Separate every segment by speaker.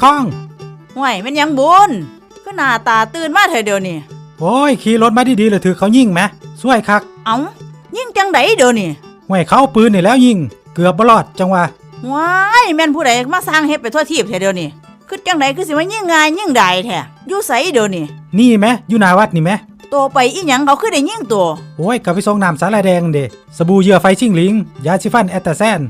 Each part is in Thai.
Speaker 1: ข้อง
Speaker 2: ห่วยมันยังบุญก็หน้าตาตื่นมาเถอะเดี๋ยวนี้
Speaker 1: โอ้ยขี่รถมาดีๆเลยถือเขายิงไหมช่วยคัก
Speaker 2: เอ้ายิงจังไดเดี๋ยวนี้
Speaker 1: ห่วยเขาปืนนี่แล้วยิงเกือบบลอดจังวะ
Speaker 2: ว้ายแม่นผู้ใดมาสร้างเฮ็ดไปทั่วทีบเถอะเดี๋ยวนี้คือจังไดคือสิมายิงง่ายยิงได้แท้อยู่ไสเดี๋ยวนี้
Speaker 1: นี่ไหมอยู่หน้าวัดนี่ไหม
Speaker 2: ตัวไปอีหยังเขาคือได้ยิงตัว
Speaker 1: โอ้ยกลับไปส่งน้ำสาลายแดงเด้สบู่เหยื่อไฟชิงหลิงยาสีฟันแอตตาแซน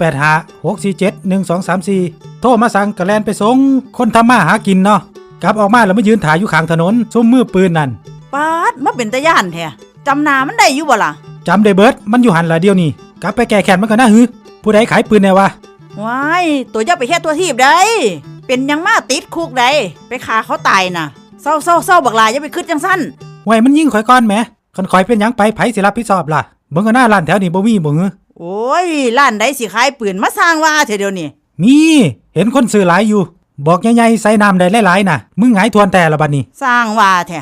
Speaker 1: 0856471234โทรมาสั่งกระแลนไปส่งคนทำมาหากินเนาะกลับออกมาแล้วมายืนถ่ายอยู่ข้างถนนซุ่มมือปืนนั่น
Speaker 2: ป๊าดมาเป็นตาย่านแท้จำหน้ามันได้อยู่บ่ล่ะ
Speaker 1: จำได้เบิดมันอยู่หันละเดียวนี่กลับไปแก้แค้นมันก็น่าหือผู้ใดขายปืนแน่วะ
Speaker 2: ว้ายตัวอย่าไปแค่ตัวทีบได้เป็นยังมาติดคุกได้ไปฆ่าเขาตายน่ะเศร้าบักหลายอย่าไปคิดจังซั่น
Speaker 1: ห่วยมันยิงข่อยก่อนแหมคันข่อยเป็นหยังไปไผสิรับผิดชอบล่ะเบิ่งก็หน้าร้านแถวนี้บ่มีบ่หือ
Speaker 2: โอ้ยร้านใดสิขายปืนมาสร้างว่าเถอะเดี๋ยวนี้
Speaker 1: มีเห็นคนซื้อหลายอยู่บอกใหญ่ๆใส่น้ำได้หลายๆน่ะมึงหงายทวนแต่ละบัดนี้
Speaker 2: สร้างว่าแท้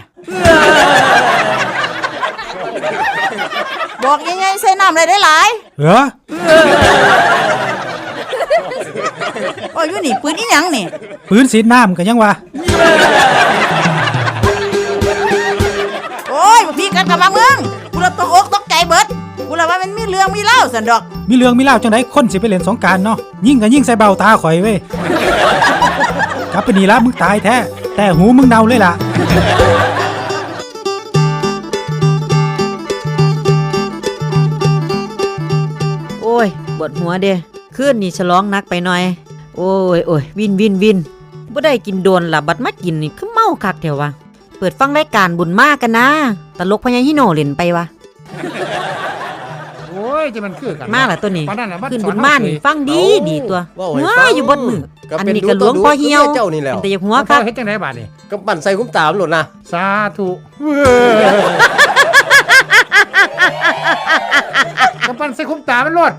Speaker 2: บอกใหญ่ๆใส่น้ำได้หลายโอ้ยอยู่นี่ปืนอีหยังนี่
Speaker 1: ปืนสีน้ำก็ยังวะ
Speaker 2: โอ้ยพี่กันกับมาเมืองกูละตกอกตกใจเบิดกูละว่ามันมีเรื่องมีเล่าสันดอก
Speaker 1: มีเรื่องมีเล่าจังได๋คนสิไปเล่นสงกรานต์เนาะยิงก็ยิงใส่เบ้าตาข่อยเว้ยกลับไปนี่ละมึงตายแท้แต่หูมึงเน่าเลยล่ะ
Speaker 3: โอ้ยปวดหัวเด้คืนนี่ฉลองนักไปหน่อยโอ้ยวินบ่ได้กินโดนล่ะบัดมากินนี่คือเมาคักแถววะเปิดฟังรายการบุญมากกันนะตลกพญาฮิโนเล่นไปวะ
Speaker 4: โอ้ยจะมันคือกัน
Speaker 3: มาล่ะตัวนี้ขึ้นบุญมานี่ฟังดีตัวหัวอยู่บนมืออันนี้ก็หลวงพ่อเหี่ยวเป็นแต่หัวคัก
Speaker 4: เฮ็ดจังได๋บาดนี่
Speaker 5: ก็ปั่นใส่คุ้มตามโลดนะ
Speaker 4: สาธุก็ปั่นใส่คุ้มตามันโลด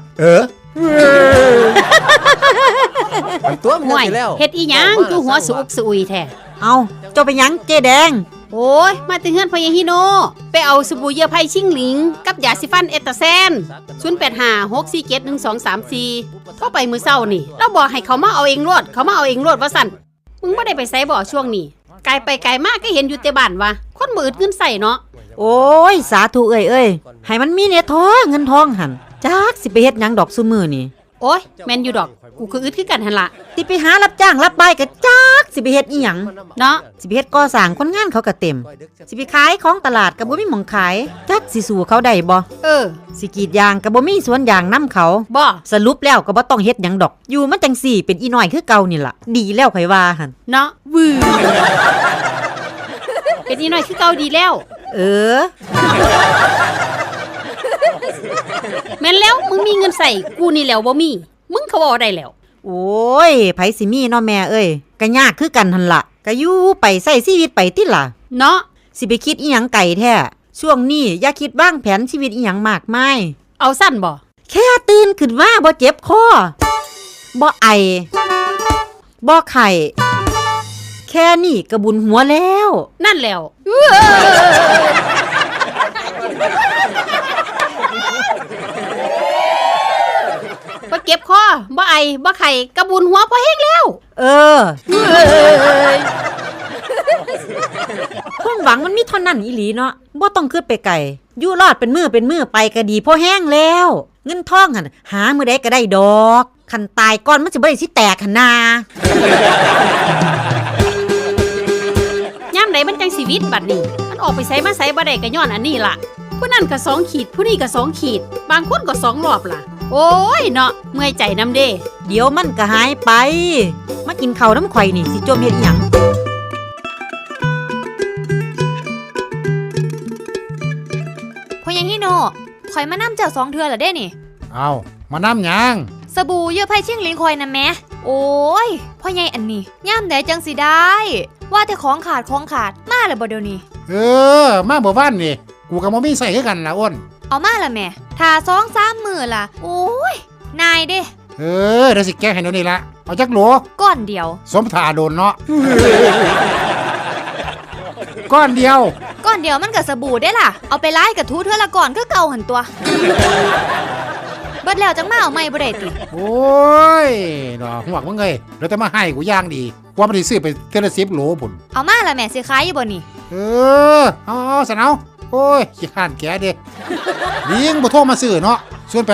Speaker 5: มันตัวมันสิแล้ว
Speaker 6: เฮ็ดอีหยังคือหัวสุกสุยแท้
Speaker 3: เอาเจ้าไปหยังเจ๊แดง
Speaker 6: โอ้ยมาแต่เฮือนพญาฮิโนไปเอาสบู่เหยื่อไผ่ชิงหลิงกับยาสีฟันเอตตาแซน0856471234เข้าไปมื้อเช้านี่เราบอกให้เขามาเอาเองรวดว่าสั่นมึงบ่ได้ไปไสบ่ช่วงนี้ไกลไปไกลมากก็เห็นอยู่แต่บ้านว่าคนบ่อึดเงินใส่เนาะ
Speaker 3: โอ้ยสาธุเอ้ยให้มันมีเนี่ยท้อเงินทองหั่นจักสิไปเฮ็ดหยังดอกซุมื้อนี่
Speaker 6: โอ้ยแม่นอยู่ดอกกูคืออึดคือกันหั่นล่ะ
Speaker 3: สิไปหารับจ้างรับบ่ายก็จักสิไปเฮ็ดอีหยัง
Speaker 6: เนาะ
Speaker 3: สิไปเฮ็ดก่อสร้างคนงานเขาก็เต็มสิไปขายของตลาดก็บ่มีหม้องขายจักสิสู้เขาได้บ่สิกรีดยางก็บ่มีสวนยางนำเขา
Speaker 6: บ่
Speaker 3: สรุปแล้วก็บ่ต้องเฮ็ดหยังดอกอยู่มันจังซี่เป็นอีน้อยคือเก่านี่ล่ะดีแล้วไผว่าหั่น
Speaker 6: เนาะเป็นอีน้อยคือเก่าดีแล้วแม่นแล้วมึงมีเงินใส่กูนี่แล้วบ่มีมึงเขาบ่ได้แล้ว
Speaker 3: โอ้ยไผสิมีเนาะแม่เอ้ยก็ยากคือกันหั่นล่ะก็อยู่ไปใช้ชีวิตไปติล่ะ
Speaker 6: เนาะ
Speaker 3: สิไปคิดอีหยังไกลแท้ช่วงนี้อย่าคิดวางแผนชีวิตอีหยังมากมาย
Speaker 6: เอาสั้นบ่
Speaker 3: แค่ตื่นขึ้นมาบ่เจ็บคอบ่ไอบ่ไข้แค่นี้ก็บุญหัวแล้ว
Speaker 6: นั่นแล้วบ่เก็บคอบ่ไอบ่ไข้กระบุญหัวพอแห้งแล้ว
Speaker 3: ความหวังมันมีเท่านั้นอีหลีเนาะบ่ต้องคิดไปไกลอยู่รอดเป็นมื้อไปก็ดีพอแห้งแล้วเงินทองหั่นหามื้อใดก็ได้ดอกคันตายก่อนมันสิบ่ได้สิแตกหั่นนา
Speaker 6: ย่ำใดมันจังชีวิตบัดนี้มันออกไปไสมาไสบ่ได้ก็ย้อนอันนี้ล่ะผู้นั้นก็2ขีดผู้นี้ก็2ขีดบางคนก็2รอบล่ะโอ้ยเนาะเมื่อยใจนำเด้
Speaker 3: เดี๋ยวมันก็หายไปมากินข้าวน้ำข่อยนี่สิจมเฮ็ดอีหยัง
Speaker 7: พ่อยังฮิโนข่อยมานำเจ้า2เทื่อแล้วเด้นี่
Speaker 4: เอามานำหยัง
Speaker 7: สบู่เหยื่อไผ่ชิงหลิงข่อยน่ะแม่โอ้ยพ่อใหญ่อันนี้ย่ามใดจังสิได้ว่าแต่ของขาดมาแล้วบ่เดี๋ยวนี้
Speaker 4: มาบ่วานนี่กูก็บ่มีใส่คือกันล่ะอ้น
Speaker 7: เอามาล่ะแม่ถ้า 2-3 มื้อล่ะโอ้ยนายเด้
Speaker 4: เดี๋ยวสิแก้ให้เดี๋ยวนี้ละเอาจักโหล
Speaker 7: ก้อนเดียว
Speaker 4: สมท่าโดนเนาะก้อนเดียว
Speaker 7: มันก็สบู่ได้ล่ะเอาไปล้างกับทูเทื่อละก่อนคือเก่าหั่นตัวเบิดแล้วจังมาเอาใหม่บ่ได้ติ
Speaker 4: โอ้ยดอกหัวมึงเอ้ยเดี๋ยวแต่มาให้กูย่างดีโกว่ามันสิซื้อไปเทละ10 โหลพุ่น
Speaker 7: เอามาละแม่สิขายอยู่บ่นี่
Speaker 4: เอาสนเอาโอ้ยขี้ข้านแกเด้ลิงบ่โทรมาซื้อเนาะส่วน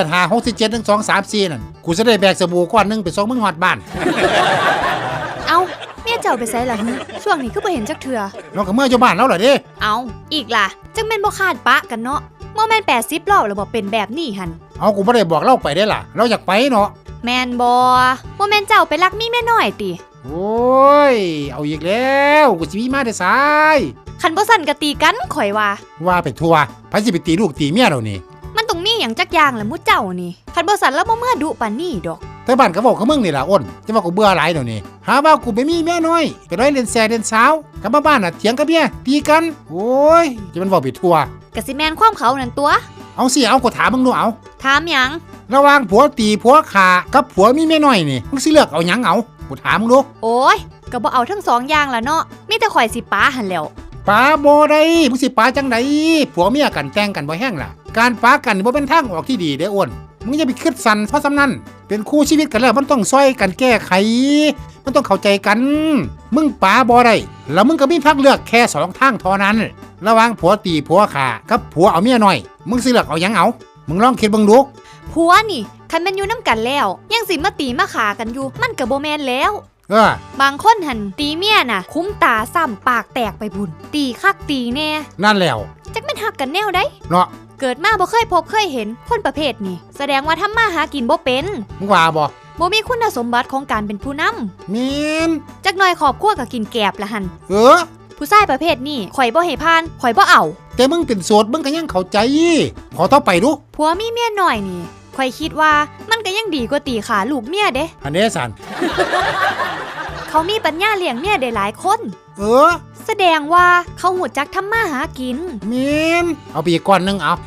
Speaker 4: 85671234นั่นกูจะได้แบกสบู่ก้อนหนึงไปส่งมึงฮอดบ้าน
Speaker 7: เอาเมียเจ้าไปไสล่ะฮึช่วงนี้คือบ่เห็นจักเทื่อ
Speaker 4: น้องก็เมื่ออยู่บ้านแล้วเหรอเด้
Speaker 7: เอาอีกล่ะจังแม่นบ่คาดปะกันเนาะบ่แม่น80รอบแล้วบ่เป็นแบบนี้หั่น
Speaker 4: เอากูบ่ได้บอกเราไปได้ล่ะเราอยากไปเนาะ
Speaker 7: แม่นบ่แม่นเจ้าไปรักมีแม่น้อยติ
Speaker 4: โอ้ยเอาอีกแล้วกูสิมีมาได้สาย
Speaker 7: คันบ่สั่นก็ตีกันข่อยว่า
Speaker 4: ว่าไปทั่วไผสิไปตีลูกตีเมียเรานี่
Speaker 7: มันต้องมีหยังจักอย่างแหละหมู่เจ้านี่คันบ่สั่นแล้วบ่เมื่อดุปานนี้ดอก
Speaker 4: แต่บ้านก็บอกกับมึงนี่ล่ะอ้นจะว่ากูเบื่อหลายเดี๋ยวนี้หาว่ากูไปมีเมียน้อยไปร้อยเล่นแซ่เล่นสาวกลับมาบ้านน่ะเถียงกับเมียตีกันโอ้ยจะมันบอกไปทั่ว
Speaker 7: ก็สิแม่นความเขานั่นตัว
Speaker 4: เอาสิเอากูถามมึงดูเอา
Speaker 7: ถามหยัง
Speaker 4: ระหว่างผัวตีผัวขากับผัวมีเมียน้อยนี่มึงสิเลือกเอาหยังเอากูถามมึงดู
Speaker 7: โอ้ยก็บ่เอาทั้งสองอย่างละเนาะมีแต่ข่อยสิป้าหั่นแหล้ว
Speaker 4: ป้าบ่ได้มึงสิป้าจังไดผัวเมียกันแต่งกันบ่แห้งล่ะการป้ากันบ่เป็นทางออกที่ดีเด้ออ้นมึงอย่าไปคิดสั่นเพราะสำนั้นเป็นคู่ชีวิตกันแล้วมันต้องซอยกันแก้ไขมันต้องเข้าใจกันมึงป้าบ่ได้แล้วมึงก็มีทางเลือกแค่2 ทางเท่านั้นระหว่างผัวตีผัวขากับผัวเอาเมียน้อยมึงสิเลือกเอาหยังเอามึงลองคิดเบิ่งดู
Speaker 7: ผัวนี่คันแม่นอยู่นํกันแล้วยังสิมาตีมาขากันอยู่มันก็บ่แม่นแล้ว บางคนหันตีเมียน่ะ คุ้มตาซ้ำปากแตกไปบุญตีคักตีแน่
Speaker 4: นั่นแล้ว
Speaker 7: จักแม่นฮักกันแนวได้
Speaker 4: เนาะ
Speaker 7: เกิดมาบ่เคยพบเคยเห็นคนประเภทนี้แสดงว่าทำมาหากินบ่เป็น
Speaker 4: มึงว่าบ่
Speaker 7: บ่มีคุณสมบัติของการเป็นผู้นำ
Speaker 4: มีน
Speaker 7: จักหน่อยครอบครัวก็กินแกบละหัน
Speaker 4: เออ
Speaker 7: ผู้ชายประเภทนี้ข่อยบ่ให้ผ่านข่อยบ่เอา
Speaker 4: แต่มึงเป็นโสดมึงก็ยังเข้าใจขอต่อไปดู
Speaker 7: ผัวมีเมียน้อยนี่ข่อยคิดว่ามันก็ยังดีกว่าตีขาลูกเมียเด้
Speaker 4: อันนี้สัน
Speaker 7: เขามีปัญญาเลี้ยงเมียได้หลายคน
Speaker 4: เออ
Speaker 7: แสดงว่าเขาหูจักทำมาหากิน
Speaker 4: มีนเอาไปอีกก้อนหนึงเอา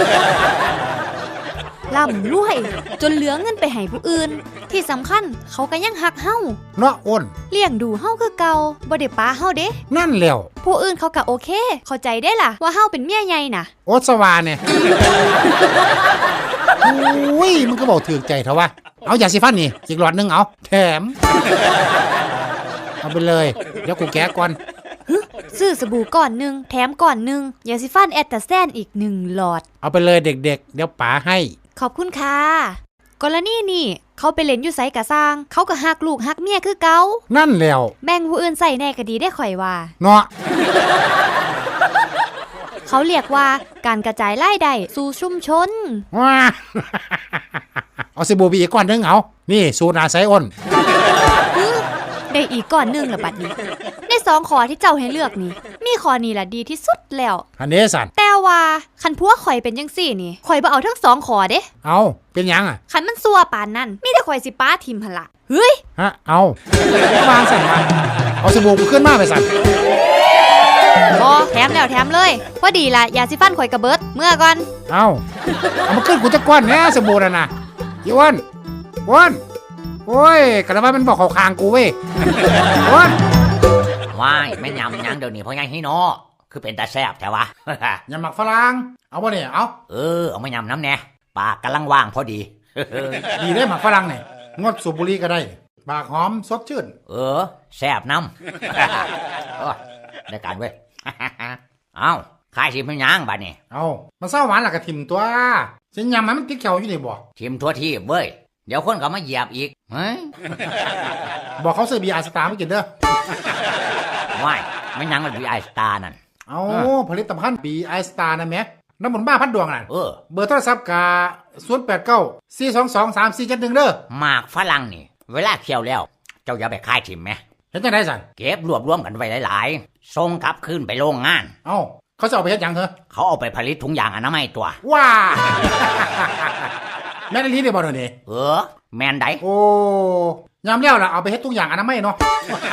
Speaker 7: ร่ำรวย จนเหลือเงินไปให้ผู้อื่น ที่สำคัญเขาก็ยังหักเฮา
Speaker 4: เนาะอ้น
Speaker 7: เลี้ยงดูเฮาคือเก่าบ่ได้ป้าเฮาเด้
Speaker 4: นั่นแล้ว
Speaker 7: ผู้อื่นเขาก็โอเค เข้าใจได้ล่ะว่าเฮาเป็นเมียใหญ่น่ะ
Speaker 4: โอสวาเนี่ยอุ้ยมึงก็บอกถือใจเถอะวะเอายาสีฟันนี่อีกหลอดหนึงเอาแถมเอาไปเลยเดี๋ยวกูแกะก่อน
Speaker 7: ซื้อสบู่ก่อนหนึงแถมก่อนหนึงยาสีฟันแอตตาแซนอีก1หลอด
Speaker 4: เอาไปเลยเด็กๆเดี๋ยวป๋าให้
Speaker 7: ขอบคุณค่ะกรณีนี่เขาไปเล่นอยู่ไสกะสร้าง เขาก็ฮักลูกฮักเมียคือเก่า
Speaker 4: นั่นแล้ว
Speaker 7: แบ่งผู้อื่นใส่แน่ก็ดีได้ข่อยว่า
Speaker 4: เนาะ
Speaker 7: เขาเรียกว่าการกระจายรายได้สู่ชุมชน
Speaker 4: ว้า เอาสบู่ไปอีกก้อนหนึงเอานี่สูตรอาศัยอ้น
Speaker 7: ได้อีกก่อนหนึงละบัดนี้ใน2ข้อที่เจ้าให้เลือกนี่มีข้อนี้ล่ะดีที่สุดแล้ว
Speaker 4: อันนี้สัน
Speaker 7: แต่ว่าคันผัวข่อยเป็นจังซี่นี่ข่อยบ่เอาทั้ง2ข้อเด้
Speaker 4: เอาเป็นหยังอ่ะ
Speaker 7: คันมันซัวปานนั้นมีแต่ข่อยสิป้าทิมหั่นล่ะเฮ้ย
Speaker 4: ฮะเอาวางสั่นมาเอาสบู่กูขึ้นมาไปสั่น
Speaker 7: บ่แถมแล้วแถมเลยพอดีล่ะยาสิฟันข่อยกระเบิดเมื่อก่อน
Speaker 4: เอามาขึ้นกูจะก้อนแน่สบู่น่ะนะอีอ้วนอ้วนโอ้ยกระบามันบอกเขาคางกูเว้ยอ้วน
Speaker 8: ว้ายแม่ยำยังเดี๋ยวนี้เพราะยังให้นอคือเป็นตาแซ่บแท้วะ
Speaker 4: อย่าหมักฝรั่งเอาบ่เนี่ยเอา
Speaker 8: เอามายำน้ำแน่ปากกำลังว่างพอดี
Speaker 4: ดีได้หมักฝรั่งเนี่ยงดสูบบุหรี่ก็ได้ปากหอมสดชื่น
Speaker 8: แซ่บน้ำ โอ้ยได้การเว้ย เอาขายชิมเป็นยังบัดนี้
Speaker 4: เอามันเศร้าหวานหลักกระถิ่มตัวฉันยำมันติดเขียวอยู่นี่บ่
Speaker 8: ชิมทั่วที่เว้ยเดี๋ยวคนก็มาเหยียบอีกเฮ้ย
Speaker 4: บอกเขาซื้อบีอาร์สตาร์มากินเด้อ
Speaker 8: ว้ายไม่ยังมันวีไอสตาร์นั่น
Speaker 4: เอาผลิตภัณฑ์บีไอสตาร์นะแม่น้ำมันบ้าพัดดวงน่ะ เบอร์โทรศัพท์กา089-422-3471เด้อ
Speaker 8: หมากฝรั่งนี่ เวลาเคี่ยวแล้ว เจ้าอย่าไปขายทิมไหม
Speaker 4: เห็นจังได๋สั่น
Speaker 8: เก็บรวบรวมกันไว้หลายๆส่งกลับคืนไปโรงงาน
Speaker 4: เอ้าเขาจะเอาไปเฮ็ดหยังเหรอ
Speaker 8: เขาเอาไปผลิตถุงยางอนามัยตัว
Speaker 4: ว้า แม่นอีหลีได้บ่เดี๋ยวนี้
Speaker 8: แมนได
Speaker 4: โอ้ยามแล้วล่ะเอาไปเฮ็ดทุกอย่างอนามัยเนาะ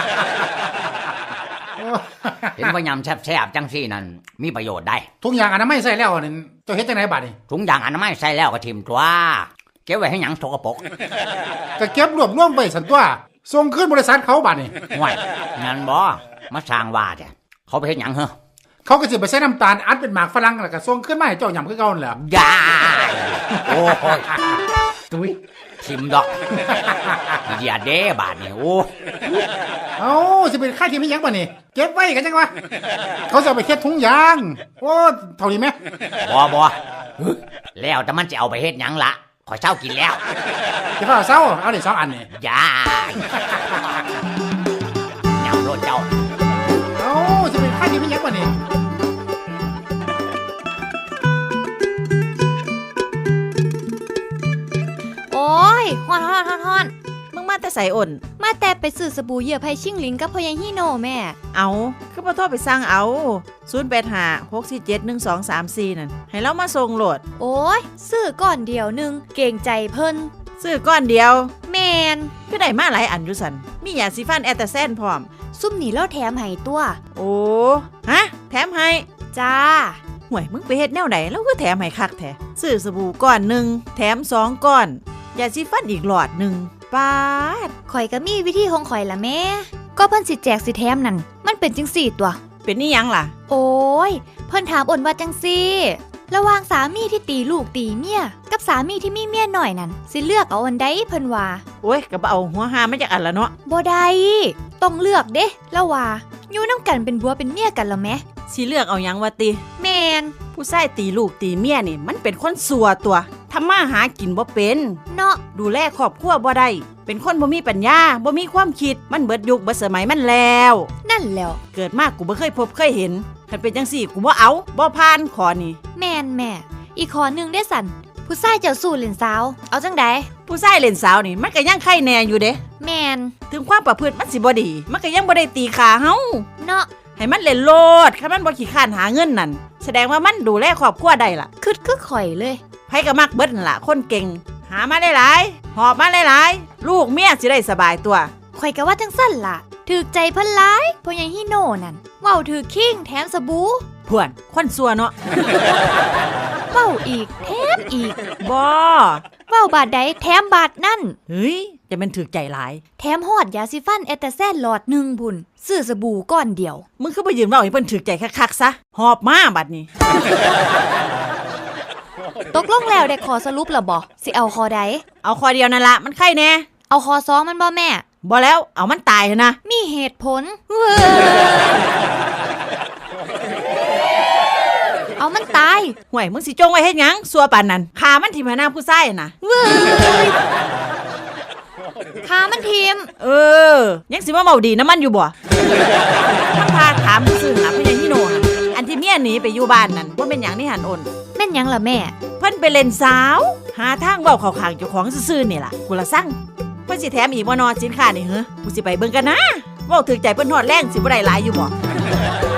Speaker 8: เห็นว่ายำแซ่บๆจังซี่นั่นมีประโยชน์ได้
Speaker 4: ทุกอย่างอนามัยใส่แล้วนี่เจ้าเฮ็ดจังไดบัดนี่
Speaker 8: ถุงยางอนามัยใส่แล้วก็ทิมตัวเก็บไว้ให้หยังสกปรก
Speaker 4: ก็เก็บรวบรวมไว้ซั่นตัวส่งคืนบริษัทเขาบัดนี่
Speaker 8: ห่วยงั้นบ่มาสร้างว่าจ้ะเขาไปเฮ็ดหยังเหรอ
Speaker 4: เขาก็สิไปใส่น้ำตาลอัดเป็นหมากฝรั่งแล้วก็ส่งคืนมาให้เจ้าหยำคือเก่านั่นแหละ
Speaker 8: ยายโอ้ยตุ้ยชิมดอกอย่าเด้บาดนี่โอ้
Speaker 4: เอ้าสิเป็นค่าที่ไม่ยั้งป่ะนี่เก็บไว้กันจังวะเขาจะเอาไปเค็ดถุงยางโอ้เท่านี้ไหม
Speaker 8: บ่แล้วแต่มันจะเอาไปเฮ็ดหยังละขอยเช้ากินแล้ว
Speaker 4: จะเฝ้าเศร้าเอาดิ2 อันนี่
Speaker 8: อย่าเหนียวโลดเจ้า
Speaker 4: เอ้าสิเป็นค่าที่ไม่ยั้งป่ะนี่
Speaker 7: โอ้ยฮ้อน
Speaker 2: มึงมาแต่ใส่อ่น
Speaker 7: มาแต่ไปซื้อสบู่เหยื่อไผ่ชิงหลิงกับพ่อใหญ่ฮีโน่แม่
Speaker 2: เอาคือบ่โทรไปสั่งเอา0856471234นั่นให้เรามาส่งโหลด
Speaker 7: โอ้ยซื้อก่อนเดียวหนึงเก่งใจเพิ่น
Speaker 2: ซื้อก้อนเดียว
Speaker 7: แมน
Speaker 2: คือได้มาหลายอันอยู่สันมียาสีฟันแอตตาแซนพร้อม
Speaker 7: ซุ่มนี่แล้วแถมให้ตัว
Speaker 2: โอ้ฮะแถมให้
Speaker 7: จ้า
Speaker 2: ห่วยมึงไปเฮ็ดแนวไหนแล้วก็แถมให้คักแท้ซื้อสบู่ก้อนหนึ่งแถม2 ก้อนยาสีฟันอีกหลอดหนึ่งปาด
Speaker 7: ข่อยก็มีวิธีของข่อยละแม่ ก็เพิ่นสิแจกสิแถมนั่น มันเป็นจังสี่ตัว
Speaker 2: เป็นนี่ยังล่ะ
Speaker 7: โอ้ย เพิ่นถามอ่นว่าจังซี่ ระหว่างสามีที่ตีลูกตีเมียกับสามีที่มีเมียหน่อยนั่นสิเลือกเอาอันใดเพิ่นว่า
Speaker 2: โอ้ยก็บ่เอาหัวหามาจากอันละเนาะ
Speaker 7: บ่ได้ต้องเลือกเด้แล้วว่าอยู่นำกันเป็นผัวเป็นเมียกันแล้วแหม
Speaker 2: สิเลือกเอาหยังวะติ
Speaker 7: แม่น
Speaker 2: ผู้ชายตีลูกตีเมียนี่มันเป็นคนสัวตัวทำมาหากินบ่เป็น
Speaker 7: เนาะ
Speaker 2: ดูแลครอบครัวบ่ได้เป็นคนบ่มีปัญญาบ่มีความคิดมันเบิดยุคเบิดสมัยมันแล้ว
Speaker 7: นั่นแล้ว
Speaker 2: เกิดมากูบ่เคยพบเคยเห็นคันเป็นจังซี่กูบ่เอาบ่ผ่านขอนี่
Speaker 7: แม่นแม่ อีกข้อหนึงได้สั่นผู้ชายเจ้าสู้เล่นสาว เอาจังใด
Speaker 2: ผู้ชายเล่นสาวนี่มันก็ยังไข่แน่อยู่เด้
Speaker 7: แม่น
Speaker 2: ถึงความประพฤติมันสิบ่ดีมันก็ยังบ่ได้ตีขาเฮา
Speaker 7: เนาะ
Speaker 2: ให้มันเล่นโลดคันมันบ่ขี้ข้านหาเงินนั่นแสดงว่ามันดูแลครอบครัวได้ล่ะ
Speaker 7: คือข่อยเลย
Speaker 2: ไผก็มักเบิดนั่นล่ะคนเก่งหามาได้หลายหอบมาหลายๆลูกเมียสิได้สบายตัว
Speaker 7: ข่อยก็ว่าจังสั่นล่ะถูกใจเพิ่นหลายพ่อใหญ่ฮีโน่นั่นเว้าถือคิงแถมสบู่
Speaker 2: พวนคนซัวเนาะ
Speaker 7: เว้าอีกแถมอีก
Speaker 2: บ่
Speaker 7: เว้าบาทใดแถมบาทนั่น
Speaker 2: เฮ้ยจะเป็นถึกใจหลาย
Speaker 7: แถมฮอดยาสีฟันแอตตาแซนหลอดหนึ่งพุ่นซื้อสบู่ก้อนเดียว
Speaker 2: มึงคือไปยืนเว้าให้เพิ่นถึกใจคักๆซะหอบมาบัดนี้
Speaker 7: ตกลงแล้วได้ขอสรุปแล้วบ่สิเอาคอใด
Speaker 2: เอาคอเดียวนั่นละมันไข่แน่
Speaker 7: เอาคอสองมันบ่แม่
Speaker 2: บ่แล้วเอามันตายเถอะนะ
Speaker 7: มีเหตุผล เอามันตาย
Speaker 2: ห่วยมึงสิจงไว้เฮ็ดหยังซัวปานนั้นขามันทิ่มหน้าผู้ชายน่ะ
Speaker 7: ขามันทีม
Speaker 2: ยังสิมาเมาดีน้ำมันอยู่บ่มันพาถามซื่อหาพญาฮิโนะอันที่เมียหนีไปอยู่บ้านนั่นว่าเป็นหยังนี่หันโอน
Speaker 7: แม่นหยังล่ะแม่
Speaker 2: เพิ่นไปเล่นสาว หาทางเว้าเข้าข้างเจ้าของซื่อๆนี่ล่ะกูละสั่งเพิ่นสิแถมอีกบ่นอสินค้านี่เหรอกูสิไปเบิ่งกันนะเว้าถึกใจเพิ่นฮอดแรงสิบ่ได้หลายอยู่บ่